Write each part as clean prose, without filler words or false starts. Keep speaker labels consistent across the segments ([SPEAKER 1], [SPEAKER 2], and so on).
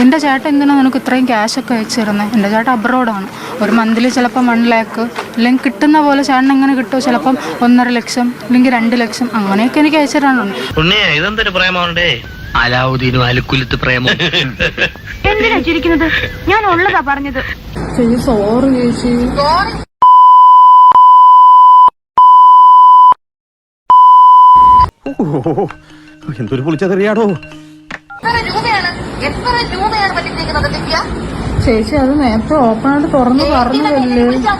[SPEAKER 1] നിന്റെ ചേട്ടൻ എന്തിനാണ് നിനക്ക് ഇത്രയും ക്യാഷൊക്കെ അയച്ചു തരുന്നത്? എൻ്റെ ചേട്ടൻ അബ്രോഡാണ്. ഒരു മന്ത്ലി ചിലപ്പം 1 lakh അല്ലെങ്കിൽ കിട്ടുന്ന പോലെ ചേട്ടൻ എങ്ങനെ കിട്ടുമോ, ചിലപ്പം 1.5 ലക്ഷം അല്ലെങ്കിൽ 2 ലക്ഷം അങ്ങനെയൊക്കെ എനിക്ക് അയച്ചു തരാനുണ്ട്.
[SPEAKER 2] ഇതെന്തൊരു പ്രേമമുണ്ടേ, അലാവുദ്ദീനും അലുക്കുലത്ത് പ്രേമം.
[SPEAKER 3] എന്തിനാ ചിരിക്കുന്നത്? ഞാൻ ഉള്ളതാ പറഞ്ഞത്.
[SPEAKER 1] ചേച്ചി സോറി ചേച്ചി.
[SPEAKER 4] എന്തൊരു പൊളിച്ചതറിയാടോ.
[SPEAKER 1] ചേച്ചി അത് നേരത്തെ ഓപ്പണായിട്ട് തുറന്ന് പറഞ്ഞതല്ലേ.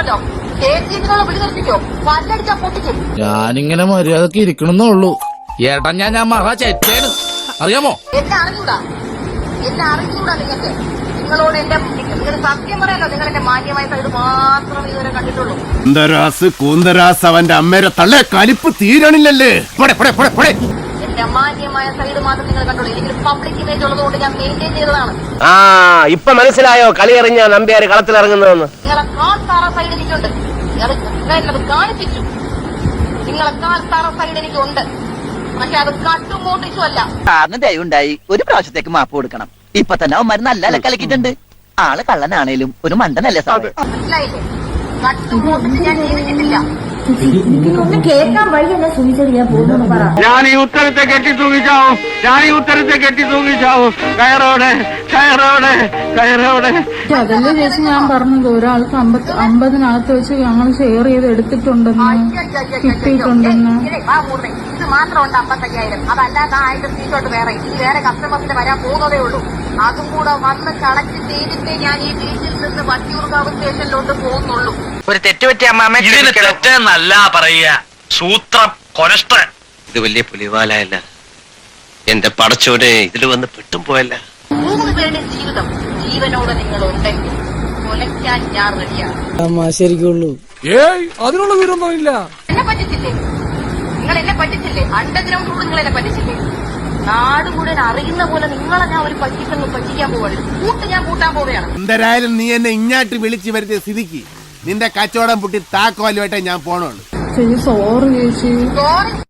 [SPEAKER 5] ഞാനിങ്ങനെ മര്യാദക്ക് ഇരിക്കണമെന്നേ ഉള്ളൂ. ഏട്ടാ ഞാൻ മഹാ ചേച്ചേന് അറിയാമോ?
[SPEAKER 3] എന്നെ അറിഞ്ഞൂടാ നിങ്ങൾക്ക്. നിങ്ങളോട് എന്റെ സത്യം പറയാലോ, നിങ്ങൾ എന്റെ മാന്യമായ സൈഡ് മാത്രം ഇതുവരെ കണ്ടിട്ടുള്ളൂ.
[SPEAKER 4] കൂന്തരാസ് അവന്റെ അമ്മേരെ തള്ളേ കലിപ്പ് തീരണില്ലല്ലേ.
[SPEAKER 3] എന്റെ മാന്യമായ സൈഡ് മാത്രം നിങ്ങൾ കണ്ടുള്ളൂ. എനിക്ക് പബ്ലിക് ഇമേജ് ഉള്ളതുകൊണ്ട് ഞാൻ മെയിൻറ്റെയിൻ ചെയ്തതാണ്.
[SPEAKER 2] ഇപ്പൊ മനസ്സിലായോ കളി എറിഞ്ഞ നമ്പ്യാര് കളത്തിലിറങ്ങുന്നതെന്ന്?
[SPEAKER 3] നിങ്ങളെ കാൽ താറ സൈഡ് എനിക്കുണ്ട്. ഞാനത് കാണിപ്പിച്ചു. നിങ്ങളെ കാൽ താറ സൈഡ് എനിക്കുണ്ട്. പക്ഷെ അത് കട്ടും മോട്ടിച്ചും അല്ല.
[SPEAKER 6] സാറിന് ദയവുണ്ടായി ഒരു പ്രാവശ്യത്തേക്ക് മാപ്പ് കൊടുക്കണം. ഇപ്പൊ തന്നെ അവന്മാര് നല്ല കലക്കിട്ടുണ്ട്. ആള് കള്ളനാണേലും ഒരു മണ്ടനല്ലേ സാറ്?
[SPEAKER 3] മനസ്സിലായില്ലേ? കട്ടും മോട്ടിച്ച് ഞാൻ ചെയ്തിട്ടില്ല.
[SPEAKER 7] ഒന്ന് കേൾക്കാൻ വഴിയല്ല സുനിച്ചത്. ഞാൻ പോകുന്നു പറ.
[SPEAKER 2] ഞാൻ ഈ ഉത്തരത്തെ കെട്ടി തൂങ്ങിച്ചാവും. കയറോടെ
[SPEAKER 1] അതല്ലേ ചേച്ചി ഞാൻ പറഞ്ഞത്, ഒരാൾക്ക് 50 വെച്ച് ഞങ്ങൾ ഷെയർ ചെയ്ത് എടുത്തിട്ടുണ്ടെന്ന്, കിട്ടിയിട്ടുണ്ടെന്ന്.
[SPEAKER 3] ഇത് മാത്രമുണ്ട് 55,000. അതല്ലാതെ 1000 സീറ്റോട്ട് വേറെ. ഇനി വേറെ കസ്റ്റമേഴ്സിന് വരാൻ പോകുന്നതേ ഉള്ളൂ. അതും കൂടെ വന്ന് കളക്ട് ചെയ്തിട്ടേ ഞാൻ ഈ ബീച്ചിൽ നിന്ന് വട്ടിയൂർക്കാവ് സ്റ്റേഷനിലോട്ട് പോകുന്നുള്ളൂ.
[SPEAKER 2] ഒരു തെറ്റുപറ്റിയ അമ്മ തെറ്റെന്നല്ല പറയുക, സൂത്രം കൊരഷ്ട. ഇത് വലിയ പുലിവാലയല്ല എന്റെ പടച്ചോനെ, ഇതിൽ വന്ന് പെട്ടും പോയല്ല.
[SPEAKER 3] 3 പേരുടെ ജീവിതം ജീവനോടെ നിങ്ങളുണ്ടെങ്കിൽ കൊലയ്ക്കാൻ ഞാൻ റെഡിയാണ്.
[SPEAKER 5] ശരിക്കുള്ളൂ. അതിനുള്ള വിവരമൊന്നുമില്ല.
[SPEAKER 3] എന്നെ പറ്റിച്ചില്ലേ? നിങ്ങൾ എന്നെ പറ്റിച്ചില്ലേ? അണ്ടർഗ്രൗണ്ട് റൂട്ട് നിങ്ങൾ എന്നെ പറ്റിച്ചില്ലേ? നാട് മുഴുവൻ അറിയുന്ന പോലെ നിങ്ങളെ ഞാൻ ഒരു പറ്റിക്കാൻ പോവാണ്. ഞാൻ കൂട്ടാൻ പോവുകയാണ്.
[SPEAKER 4] എന്തായാലും നീ എന്നെ ഇങ്ങാട്ട് വിളിച്ചു വരുത്തിയ സ്ഥിതിക്ക് നിന്റെ കച്ചവടം പൊട്ടി താക്കോലുമായിട്ടേ ഞാൻ പോണുള്ളൂ.
[SPEAKER 1] ചേച്ചി സോറി ചേച്ചി.
[SPEAKER 3] സോറി